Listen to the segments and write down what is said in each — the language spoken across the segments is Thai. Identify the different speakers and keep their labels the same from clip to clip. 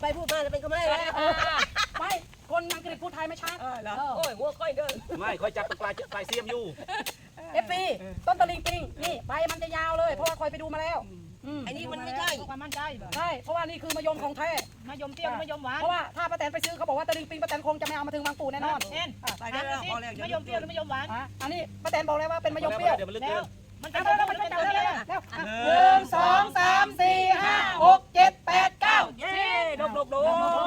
Speaker 1: ไปพูดมาจะเป็นก็ไม่แล้ว
Speaker 2: ไม่คนอังกฤษพูดไทยไม่ชัด
Speaker 1: โอ้ยหัวก้อยเดิน
Speaker 3: ไม่คอยจับปลายเสียมอยู่
Speaker 2: FC ต้นตะลิงปิงนี่ใบมันจะยาวเลยเพราะว่าคอยไปดูมาแล้ว
Speaker 1: ไอ้นี่มันไม่ใช่
Speaker 4: ความมั่นใจ
Speaker 2: ใช่เพราะว่านี่คือมะยมของแท้
Speaker 4: มายมเปรี้ยวมายมหวาน
Speaker 2: เพราะว่าถ้าป้าแตนไปซื้อเขาบอกว่าตะลิงปิงป้าแตนคงจะไม่เอามาถึงบางปูแน่นอน
Speaker 4: แน่น
Speaker 1: ไปได้แล้วพอแล้ว
Speaker 4: มายมเปรี้ยวหรือมายมหวาน
Speaker 2: อันนี้ป้าแตนบอกเลยว่าเป็นมะยมเปรี้ยว
Speaker 3: เดี๋ยวมันลึก
Speaker 4: แล้
Speaker 3: เกิ
Speaker 4: วน มัน
Speaker 2: เอา
Speaker 4: จะ
Speaker 2: เร็ว
Speaker 4: มัน
Speaker 2: ไป
Speaker 4: จะ
Speaker 2: จับ
Speaker 4: เร็
Speaker 2: เร็ว
Speaker 4: ว
Speaker 2: เร็ว1 2 3 4 5 6 7 8 9
Speaker 1: เย้ดบดบ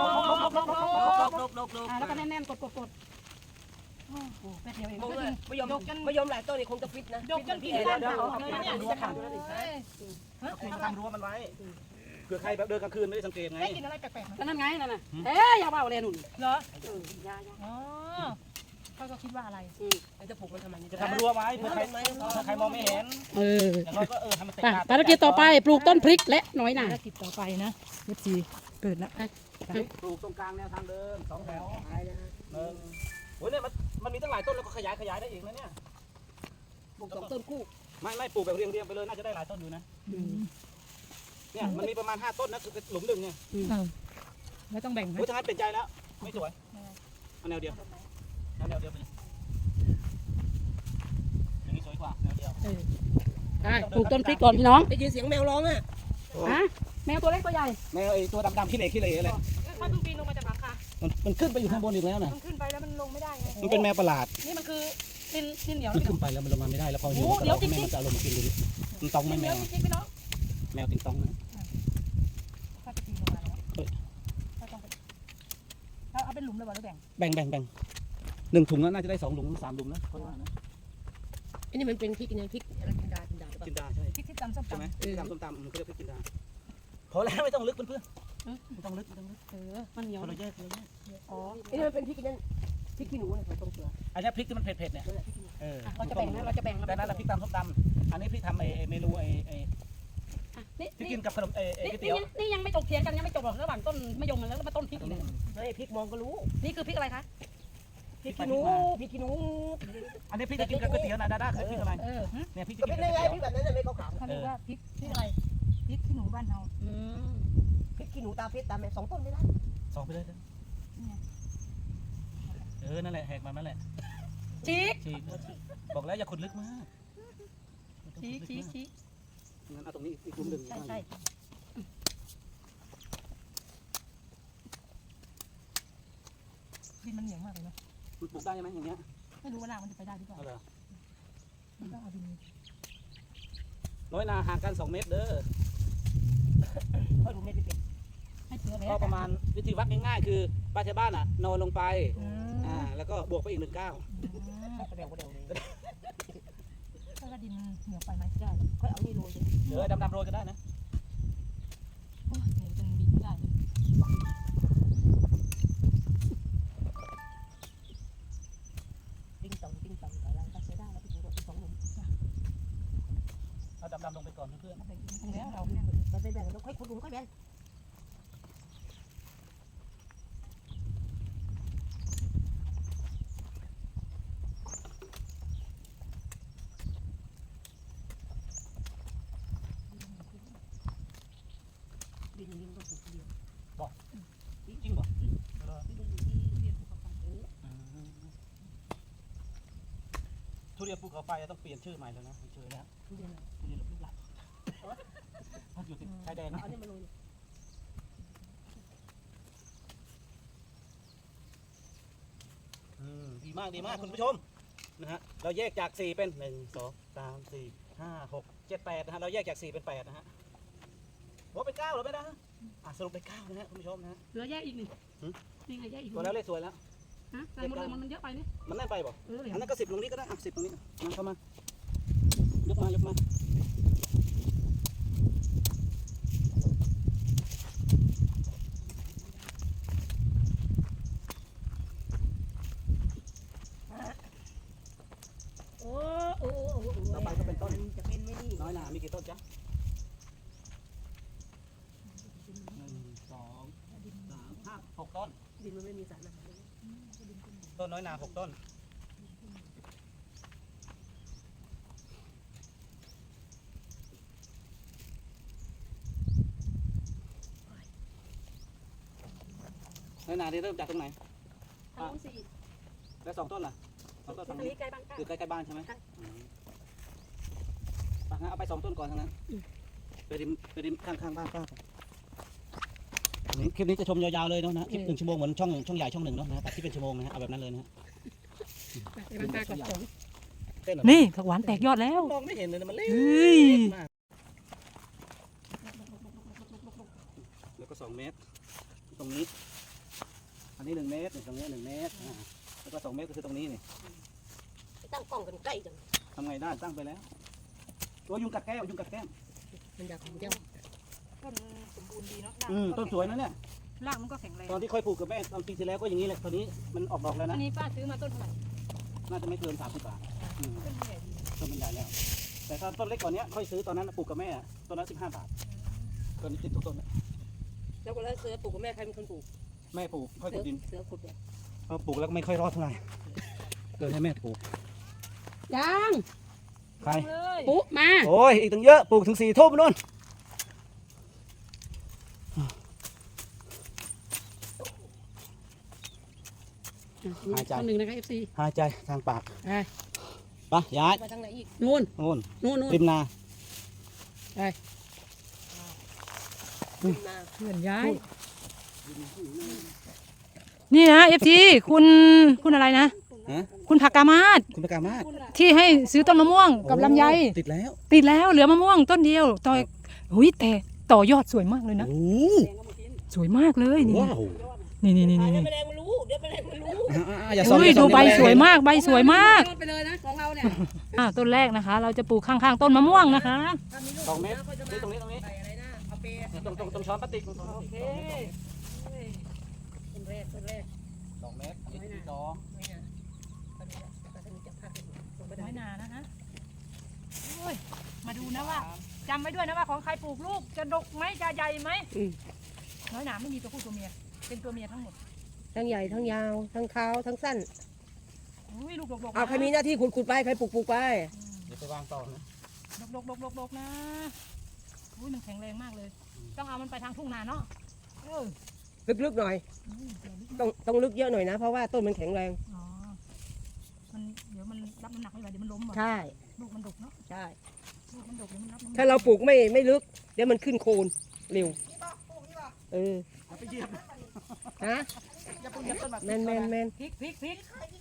Speaker 2: แล้วก็แน่นๆกดแป๊บเดียวเอง
Speaker 1: มายมหลายต้นนี่คงจะฟิตนะ
Speaker 4: ยกจนพี่ได้แล้ว
Speaker 1: จะขาดอยู่แล้วนี่
Speaker 3: ทำรั้วมันไว้เผื่อใครแบบเดินกลางคืนไม่ได้สังเกตไง
Speaker 4: ได้กินอะไรแปลกๆ
Speaker 2: แล้วนั่นไงนั่นน่ะอย่าว่าเลยหนุ่น
Speaker 4: เหรอ
Speaker 2: อย่า
Speaker 4: อ๋อเขาก็คิดว่าอะไร
Speaker 1: จะผูกมันทำไมนี่
Speaker 3: จะทำรั้วไว้เผื่อใครมองไม่เห็นอย่างน้อยก็ให้มันเตะขาด
Speaker 2: ภารกิจต่อไปปลูกต้นพริกและน้อยหน่า
Speaker 4: ภารกิจต่อไปนะวิธีเกิดแล้ว
Speaker 3: ปลูกตรงกลางแนวทางเดิม2 แถวโอ้ยเนี่ยมันมีตั้งหลายต้นแล้วก็ขยายได้อีกนะเนี่ย
Speaker 1: ปลูก2 ต้นคู่
Speaker 3: ไม่ปลูกแบบเรียงไปเลยน่าจะได้หลายต้นอยู่นะเนี่ยมันมีประมาณ5 ต้นนะคือหลุมหนึ่งเนี่ย
Speaker 4: แล้วต้องแบ่งให้
Speaker 3: โอ้ยทางนั้นเปลี่ยนใจแล้วไม่สวยเอาแนวเดียวไปอย่างนี้สวยกว่าแนวเดียว
Speaker 2: ได้ปลูกต้นพริกก่อนพี่น้อง
Speaker 1: ได้ยินเสียงแมวร้องอ่ะ
Speaker 2: แมวตัวเล็กตัวใหญ่
Speaker 3: แมวไอ้ตัวดำๆขี้เหร่อะไร
Speaker 4: ถ้าต้องปีนลงมาจากหลังคา
Speaker 3: มันขึ้นไปอยู่ข้างบนอีกแล้วนะ
Speaker 4: มันขึ้นไปแล้วมันลงไม่ได้ไง
Speaker 3: มันเป็นแมวประหลาด
Speaker 2: นี่มันคือดินเหนียว
Speaker 3: มันขึ้นไปแล้วมันลงมาไม่ได้แล้วพอหิวมันจะเอาลงมากินดูดิมันตองไหม
Speaker 2: ดินเห
Speaker 3: แม
Speaker 2: นียว
Speaker 3: ว
Speaker 2: จริงๆพี่น้อง
Speaker 3: แมวติงตองนะ
Speaker 4: ถ้าจะปีนลงมาแล้วถ้าต้องไปเราเอาเป็นหลุมเลยบ่หรือแบ่ง
Speaker 3: แบ่ง1 ถุงแล้วน่าจะได้2 หลุม3 หลุมนะคนว่านะ
Speaker 1: อันนี้มันเป็นพริกเนี่ยพริกอะไรกินดา
Speaker 3: จินดาใช่
Speaker 4: พริกที่ตำส้ม
Speaker 3: ใช่ไหม
Speaker 4: ตำ
Speaker 3: ส้มตำมันก็เรียกพริกจินดาพอแล้วไม่ต้องลึกเพื่อนไม่ต้องลึก
Speaker 2: มันเหนียว
Speaker 3: เราแยก
Speaker 2: อ๋อ
Speaker 1: อันนี้มันเป็นพริกนั่นพริกขี้หนูเนี่ยตรงเปลือก
Speaker 3: อันนี้พริกที่มันเผ็ดเนี่ย
Speaker 2: เราจะแบ่งนะเราจะแบ่ง
Speaker 3: แต่นั้นเราพริกตำส้มตำอันนี้พริกทำเมนูที่กินกับขนมก๋วยเตี๋ยว
Speaker 2: นี่ยังไม่จบเถียงกันยังไม่จบหรอกระหว่างต้นมะยมแล้วมาต้นพริกอีก
Speaker 1: เฮ้ยพริกมองก็รู้
Speaker 2: นี่คือพริกอะไรคะ
Speaker 1: พริกขี้หนูพริกขี้หนู
Speaker 3: อันนี้พริกจะกินกับก๋วยเตี๋ยวนะดาเคยพริกอะไรเนี่ยพริก
Speaker 1: ก็
Speaker 3: จะกิ
Speaker 1: เป็น น
Speaker 3: กับ
Speaker 1: ยังไง
Speaker 3: ก๋วย
Speaker 1: พริ
Speaker 3: เตี๋ยว
Speaker 1: กแบบนั้นไม่ขาว
Speaker 4: เขาเรียกว่าพริกอะไรพริกขี้หนูบ้านเรา
Speaker 1: พริกขี้หนูตาเพชรตาแม่2 ต้นไม่ได้
Speaker 3: 2ไปเลยนั่นแหละแหกมันนั่นแหละ
Speaker 2: ชี้
Speaker 3: บอกแล้วอย่าขุดลึกมาก
Speaker 2: ชี้
Speaker 3: งั้นเอาตรงนี้อีกกลุ่มหนึ่ง
Speaker 2: ใช่
Speaker 4: ดินมันเหนียวมากเลยเนาะ
Speaker 3: ปลูกได้ไหมอย่างเงี้ย
Speaker 4: ไม่รู้ว่ารากมันจะไปได้หรือเปล่า
Speaker 3: เอาเหรอ
Speaker 4: มันต้องเอาดิน
Speaker 3: น้อยนาห่างกัน2 เมตรเด้อ
Speaker 1: ค่อยดูไม่ได้เป็น
Speaker 4: ให้เผื่อแล้
Speaker 3: ก็
Speaker 4: ว
Speaker 3: ประมาณวิธีวัดง่ายๆคือป้าชาวบ้านนอนลงไปแล้วก็บวกไปอีก1 ก้าว
Speaker 1: ก็เร็วเลย
Speaker 4: ถ้าว่าดินเหนียวไปไหมได้
Speaker 1: ค่อยเอานี่โรย
Speaker 3: เดี๋ยวดำโรยก็ได้นะ
Speaker 4: โอ้ยเหนียวจนบินไม่ได้เลย
Speaker 1: ติ้งตองแต่เราก็ใช้ได้แล้วพี่ดู2 หลุม
Speaker 3: เอาดำลงไปก่อนเพื่อน
Speaker 4: แล้วเราเนี่ย
Speaker 1: เราได้แบ่งแล้วค่อยขุดหลุมค่อยแบ่ง ดินก็ปลูกเดียว
Speaker 3: จริงป่ะทุเรียนภูเขาไฟต้องเปลี่ยนชื่อใหม่แล้วนะเจอแล้วทุเรียนลูกหลับอยู่ติดชายแดนนะ
Speaker 1: เอาเนี่ยมาโรย
Speaker 3: ดีมากคุณผู้ชมนะฮะเราแยกจาก4เป็น1 2 3 4 5 6 7 8นะฮะเราแยกจาก4เป็น8นะฮะว่าเป็น9หรือไม่ได้สรุปเป็น9นะฮะคุณผู้ชมนะฮะ
Speaker 2: เหลือแยกอีกนี่นี่ไงแยกอีก
Speaker 3: ตัวแล้วเลขสวยแล้ว
Speaker 2: ใส่หมดเลยมันเยอะไปนี่
Speaker 3: มันแน่นไปบ่
Speaker 2: เลย
Speaker 3: อันนั้นก็10ตรงนี้ก็ได้10ตรงนี้มาเข้ามายกมาต่อไปก็เป็นต้น
Speaker 1: จะเป็นไม่นี่
Speaker 3: น้อยหนามีกี่ต้นจ๊ะ1 2 3 5 6 ต้น
Speaker 1: ดินมันไม่มีสารอาหาร
Speaker 3: ต้นน้อยหนา6 ต้นน้อยนาที่เริ่มจากตรงไหน
Speaker 2: ทางนู้นสี่
Speaker 3: แล้ว2 ต้นล่ะ2 ต้น
Speaker 2: ตร
Speaker 3: ฝั่ง
Speaker 2: ง
Speaker 3: นี้
Speaker 2: นี้ใกล้บ้าน
Speaker 3: คือใกล้ๆบ้านใช่ไหม
Speaker 2: ใช่
Speaker 3: งั้นเอาไป2 ต้นก่อนทั้งนั้นไปริมข้างบ้านป้าก่อนคลิปนี้จะชมยาวๆเลยเนาะนะคลิป1 ชั่วโมงเหมือนช่องใหญ่ช่องหนึ่งเนาะนะตัดที่เป็นชั่วโมงนะฮะเอาแบบนั้นเลยนะฮะ
Speaker 2: ไปบ้านป้าก่อน
Speaker 3: เต้นเหรอ
Speaker 4: นี่ผักหวานแตกยอดแล้ว
Speaker 3: มองไม่เห็นเลยนะมันเล็ก
Speaker 4: เฮ้ย
Speaker 3: มากแล้วก็2 เมตร ตรงนี้ อันนี้1 เมตรตรงนี้1 เมตรแล้วก็2 เมตรก็คือตรงนี้นี่
Speaker 1: ตั้งกล้องกันใกล้จัง
Speaker 3: ทำไงได้ตั้งไปแล้วตัวยุงกัดแก้วยุงกัดแก้ม
Speaker 1: มันอยากของเจ้า
Speaker 4: ต้นสมบูรณ์ดีเนาะ
Speaker 3: ต้นสวยนะเนี่ย
Speaker 4: รากมันก็แข็งแรง
Speaker 3: ตอนที่ค่อยปลูกกับแม่ตอนปีที่แล้วก็อย่างนี้แหละตอนนี้มันออกดอกแล้ว
Speaker 4: อั
Speaker 3: นะ
Speaker 4: นนี้ป้าซื้อมาต้นเท่าไหร่
Speaker 3: น่าจะไม่เกิน30 บาท
Speaker 4: ต้นใหญ่ดี
Speaker 3: ต้นมันใหญ่แล้ว แต่ถ้าต้นเล็กกว่านี้ค่อยซื้อตอนนั้นปลูกกับแม่ต้นละ15 บาทตอนนี้ติดทุกต้น
Speaker 1: แล้วก็แล้วเสือปลูกกับแม่ใครเป็นคนปลูก
Speaker 3: แม่ปลูกค่อย
Speaker 1: เสื
Speaker 3: ขุ
Speaker 1: อ
Speaker 3: ดดิน
Speaker 1: เสือขุดเนี่ย
Speaker 3: พอปลูกแล้วก็ไม่ค่อยรอดเท่าไหร่เลยให้แม่ปลูก
Speaker 2: ยัง
Speaker 3: ใคร
Speaker 4: เลย
Speaker 2: ปุ๊มา
Speaker 3: โอ้ยอีกตั้งเยอะปลูกถึง4 ทุ่มนู่น
Speaker 2: คนหนึ่งนะคะ FC
Speaker 3: หายใจทางปาก
Speaker 2: ไป
Speaker 3: ไปย้าย
Speaker 1: ไปทางไหนอีก
Speaker 2: นู่น
Speaker 3: นู่น
Speaker 2: นู่นนู่น
Speaker 3: ริมนา
Speaker 1: ขึ้นมา
Speaker 4: เพื่อนย้ายนี่นะเอฟซีคุณอะไรนะ
Speaker 3: ฮะ
Speaker 4: คุณผักกามาศ
Speaker 3: คุณประกาศมาก
Speaker 4: ที่ให้ซื้อต้นมะม่วงกับลำไย
Speaker 3: ติดแล้ว
Speaker 4: ติดแล้วเหลือมะม่วงต้นเดียวต่อหุยแต่ต่อยอดสวยมากเลยนะ
Speaker 3: โอ้
Speaker 4: สวยมากเลยนี่
Speaker 3: ว้าว
Speaker 4: นี่
Speaker 1: เดี๋ยวแมลงมันรู้เดี๋ยวแมลงมันรู้
Speaker 3: อย่าซ้อม
Speaker 4: อุ้ย
Speaker 3: อย่าซ้
Speaker 4: ดู
Speaker 3: อม
Speaker 4: ใบสวยมากใบสวยมาก
Speaker 2: ยอดไปเลยนะของเราเนี่ย
Speaker 4: ต้นแรกนะคะ เราจะปลูกข้างๆต้นมะม่วงนะคะ
Speaker 1: ถ้ามีลูก
Speaker 3: 2 เมตร
Speaker 1: แล้วก็จะ
Speaker 3: ตรงนี้ตรงนี้
Speaker 1: ใส่อะไรนะเอาเปย์
Speaker 3: ตรงช้อนพลาสติก
Speaker 1: โอเคเป็นแรกเป็นแรก
Speaker 3: 2 เมตรอันนี้ที่
Speaker 1: ไม่น่าตอนนี้แต่ถ้ามีจะพักลงไปได้
Speaker 4: น้อยนานะคะโอ้ยมาดูนะว่าจำไว้ด้วยนะว่าของใครปลูกลูกจะดกไหมจะใหญ่ไหมน้อยหนาไม่มีตัวผู้ตัวเมียเป็นตัวเมียทั้งหมด
Speaker 1: ทั้งใหญ่ทั้งยาวทั้งขาวทั้งสั้น
Speaker 4: อุ้ยลูกดกๆ
Speaker 1: เอาใครมีหน้าที่ขุดไปใครปลูกไป
Speaker 3: เดี๋ยวไปวางต่อนะ
Speaker 4: ดกนะอุ้ยมันแข็งแรงมากเลย ต้องเอามันไปทางทุ่งนาเนาะเออ
Speaker 1: ลึกๆหน่อย ต้องลึกเยอะหน่อยนะ เพราะว่าต้นมันแข็งแรง
Speaker 4: อ๋อมันเดี๋ยวมันรับน้ำหนักไม่ไหวเดี๋ยวมันล้มหมด
Speaker 1: ใช่
Speaker 4: ลูกมันดกเนาะ
Speaker 1: ใช่
Speaker 4: ลูกมันดกเดี๋ยวมันรับน้ำหนัก
Speaker 1: ถ้าเราปลูกไม่ลึก เดี๋ยวมันขึ้นโคนเร็วเออ
Speaker 3: อย่าไปเหยียบ
Speaker 1: ฮะ
Speaker 3: อย่าไปเหยียบต้นแบบ
Speaker 1: แมนแมนแมน
Speaker 4: พริก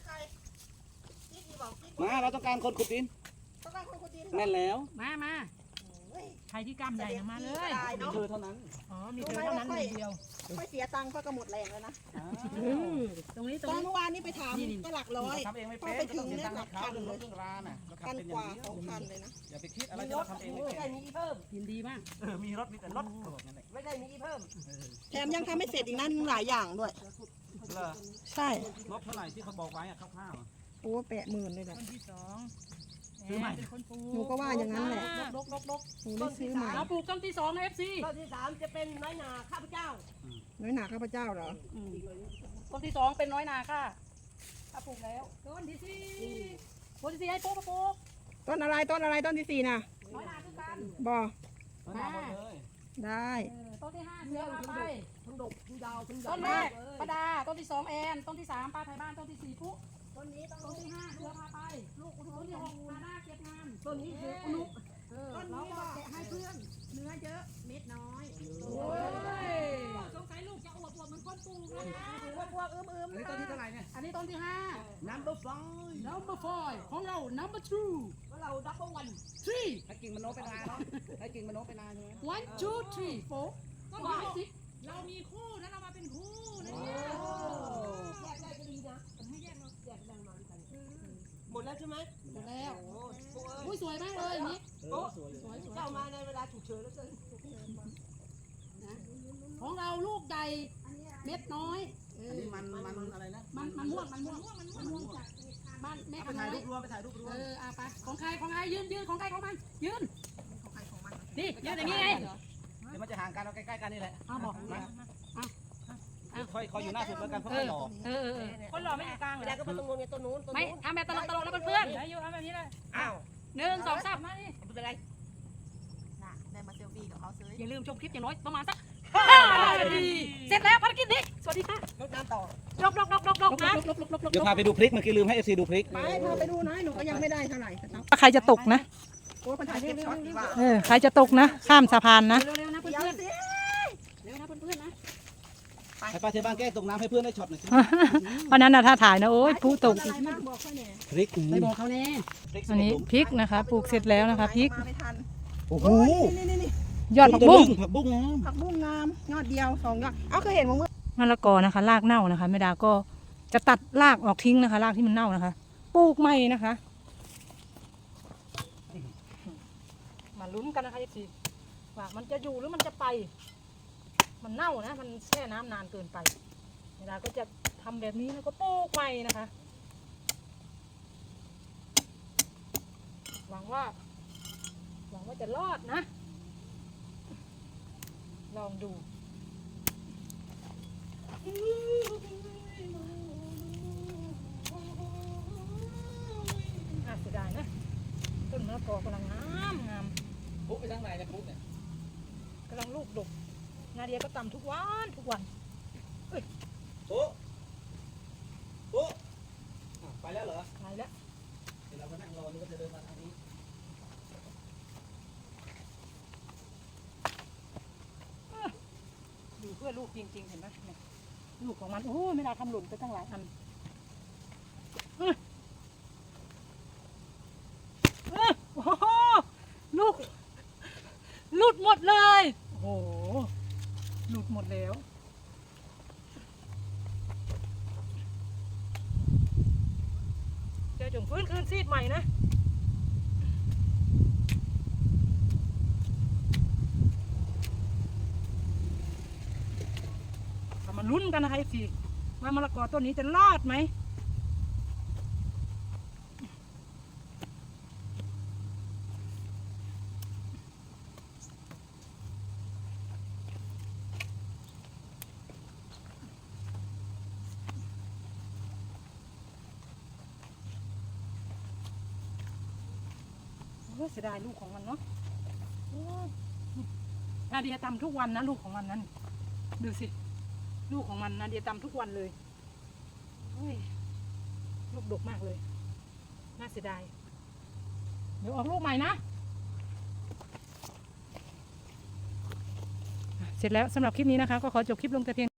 Speaker 3: มาเราต้องการคนขุดดินแน่นแล้ว
Speaker 4: มาใครที่กล้ามใหญ่นะมาเลย
Speaker 3: มีเธอเท่านั้น
Speaker 4: อ๋อมีเธอเท่านั้นคนเดียว
Speaker 5: ค่อยเสียตังค์ก็หมดแรงแล้วนะ
Speaker 4: ตรงนี้ตร
Speaker 5: ต
Speaker 4: ง
Speaker 5: อน
Speaker 4: นี้
Speaker 5: เมื่อวานนี้ไปถามก็หลักร้อย
Speaker 3: ทำเองไม่
Speaker 5: พอ
Speaker 3: เป็น
Speaker 5: ไปถึง
Speaker 3: เสีย
Speaker 5: เนี่ย
Speaker 3: ตังค์
Speaker 5: หลัก
Speaker 3: ให้เขา
Speaker 5: พัน
Speaker 3: เรื่อง
Speaker 5: เล
Speaker 3: ร
Speaker 5: ย
Speaker 3: ถเรื่องราน่ะเราขับ
Speaker 5: พัน
Speaker 3: เป็นอก
Speaker 5: ว่า
Speaker 3: ย่างนี้
Speaker 5: 2,000เลยนะ
Speaker 3: อย่าไปคิดอะไรที่เราทำเองไม่
Speaker 1: ไม่
Speaker 3: เป็
Speaker 1: ได้
Speaker 3: น
Speaker 1: มีเพิ่ม
Speaker 2: ยินดีมาก
Speaker 3: มีรถมีแต่รถบอกงั้นแหละ
Speaker 1: ไม่ได้มีเพิ่ม
Speaker 5: แถมยังทำไม่เสร็จอีกนั่นหลายอย่างด้วย
Speaker 3: เหรอ
Speaker 5: ใช่
Speaker 3: งบเท่าไหร่ที่เขาบอกไว้อะคร่าวๆอะ
Speaker 5: โอ้80,000เลยแหละ
Speaker 4: ต้นที่สอง
Speaker 3: ซื้อใหม่
Speaker 4: เป็นคนปลูก
Speaker 5: หนูก็ว่าอย่างนั้นแหละ
Speaker 4: ดก
Speaker 5: หนูได้ซื้อใหม่
Speaker 2: เราปลูกต้นที่2นะ FC
Speaker 1: ต้นที่3จะเป็นน้อยนาข้าพเจ้า
Speaker 5: น้อยหนาข้าพเจ้าเหรอ
Speaker 2: ต้นที่2เป็นน้อยนาค่ะถ้าปลูกแล้วต้นที่4ให้ปลูกก็ปลูก
Speaker 5: ต้นอะไรต้นอะไรต้นที่4น่ะ
Speaker 2: น้อยนาคือกัน
Speaker 5: บอ
Speaker 3: เอาหน้าหมดเลย
Speaker 5: ได้
Speaker 2: ต้นที่5เสือพาไป
Speaker 1: ทั้งดกทั้งยาวทั้งใหญ่
Speaker 2: ต้นแรกป้าดาต้นที่2แอนต้นที่3ป้าไทยบ้านต้นที่4ปุ๊ต้นที่5เสือพาไปลูกต้นที่6มาหน้าเก็บงาน
Speaker 1: ต้นนี้คืออุนุ
Speaker 2: เราก็แกะให้เพื่อนเนื้อเยอะเม็ดน้อยสงสัยลูกจะอวบเหมือนคนปลูกนะคะ
Speaker 1: พวกอึม
Speaker 3: อันนี้ต้นที่เท่าไหร่เนี่ย
Speaker 2: อันนี้ต้นที่5
Speaker 3: number 5
Speaker 2: number 5ของเรา number 2
Speaker 1: ว่าเราดับเบิลวัน
Speaker 2: 3
Speaker 3: ให้กิ่งมันโน้มไปนานเนาะให้กิ่งมันโน้มไปนานใช่ไหม
Speaker 2: 1 2 3 4ก็หมายสิเรามีคู่นะเรามาเป็นคู่นะเนี่ย
Speaker 1: แยกได้ก็ดีนะให้แยกเราแยกได้มาด้วยกันหมดแล้วใช่ไหม
Speaker 2: หมดแล้ว
Speaker 1: โอ้โห
Speaker 2: อุ้ยสวยมากเลยอย่างนี้
Speaker 3: เออสวยเลย
Speaker 2: สวย
Speaker 1: เจ้ามาในเวลาฉุกเฉินแล้วเกิน
Speaker 2: ของเราลูกใหญ่เม็ดน้อย
Speaker 3: อันนี้มันอะไรนะ
Speaker 2: มันม่วงจากบ้านแม่
Speaker 3: ไป
Speaker 2: คำ
Speaker 3: ถ่าย
Speaker 2: น้อ
Speaker 3: รู
Speaker 2: ย
Speaker 3: ปรวมไปถ่ายรูปรวม
Speaker 2: เอาไปของใครยืนของใครของมันยืนนี่ยืนอย่างนี้ไง
Speaker 3: เดี๋ยวมันจะห่างกันเอาใกล้ๆกันนี่แหละ
Speaker 2: เอาบอก
Speaker 3: ค่อยอยู่หน้าสุดแล้วกันเพราะไม่หล่อ
Speaker 4: คนหล่อไม่อยู่กลางเหร
Speaker 1: ไม่
Speaker 4: อ
Speaker 1: ได้ก็มาตรงนู้นเนี่ยต้นนู้นต้น
Speaker 2: ไม่
Speaker 1: นู้น
Speaker 2: ทำแบบตลกแล้วเพื่อน
Speaker 4: ได้อยู่เอาแบบนี้เลย
Speaker 1: อ้าว
Speaker 2: 1 2 3มานี่
Speaker 1: ไม่เป็นไร
Speaker 5: น่ะได้มาเซลฟี่กับเขาซื้อ
Speaker 2: อย่าลืมชมคลิปอย่างน้อยประมาณสัก
Speaker 4: 5 นาทีเสร็จแล้วภารกิจนี้สวัสดีค่ะ
Speaker 1: รดน้ำต่อ
Speaker 4: ดกนะ
Speaker 3: เดี๋ยวพาไปดูพริกเมื่อกี้ลืมให้เอฟซีดูพริก
Speaker 5: ไปพาไปดูหน่อยหนูก็ยังไม่ได้เท่าไหร่ครับ
Speaker 2: ใครจะตกนะ
Speaker 5: โอ้ยคนถ่ายเก็บช็อตดีกว่า
Speaker 2: ใครจะตกนะ ข้ามสะพานนะ
Speaker 5: เดี๋ยวสิ
Speaker 3: ให้ป้าเทบ้านแก้ตกน้ำให้เพื่อนได้ช็อตหน่อยสิ
Speaker 2: เพราะนั้นนะถ้าถ่ายนะโอ้ยผู้ตก
Speaker 5: อะไรบ้างบอกเขาเนี่ย
Speaker 3: พริก
Speaker 2: ไม่บอกเขาแน่
Speaker 3: พริก
Speaker 2: อันนี้พริกนะคะปลูกเสร็จแล้วนะคะพริก
Speaker 5: มาไม่ทัน
Speaker 3: โอ้โห
Speaker 5: นี่
Speaker 2: ยอดผักบุ้ง
Speaker 3: ผักบุ้งงาม
Speaker 5: ผักบุ้งงามยอดเดียว2 ยอดเอาเคยเห็นมั้ง
Speaker 2: มะละกอนะคะรากเน่านะคะแม่ดาก็จะตัดรากออกทิ้งนะคะรากที่มันเน่านะคะปลูกใหม่นะคะมาลุ้นกันนะคะทีว่ามันจะอยู่หรือมันจะไป มันเน่านะมันแช่น้ำนานเกินไปแม่ดาก็จะทำแบบนี้แล้วก็ปลูกใหม่นะคะหวังว่าจะรอดนะลองดูเสียดายนะต้นมะละกอกำลังงาม
Speaker 3: ปุ๊บไปทางไหนเนี่ยปุ๊บเนี่ย
Speaker 2: กำลังลูกดกนาเดียก็ตำทุกวัน
Speaker 3: ปุ๊บปุ๊บไปแล้วเหรอ
Speaker 2: ไปแล้ว
Speaker 3: เดี๋ยวเราก็นั่งรอนี่ก็จะเดินมาทางนี้
Speaker 2: อยู่เพื่อลูกจริงๆเห็นไหมเนี่ยลูกของมันโอ้ยไม่ได้ทำหล่นไปตั้งหลายอันโอ้โหลูกหลุดหมดเลยโอ้โหหลุดหมดแล้วเดี๋ยวจงฟื้นคืนซีดใหม่นะมาลุ้นกันนะคะสิว่ามะละกอต้นนี้จะรอดไหมเสียดายลูกของมันเนาะนาเดียตำทุกวันนะลูกของมันนั้นดูสิลูกของมันนาเดียตำทุกวันเลยลูกดกมากเลยน่าเสียดายเดี๋ยวออกลูกใหม่นะเสร็จแล้วสำหรับคลิปนี้นะคะก็ขอจบคลิปลงแต่เพียง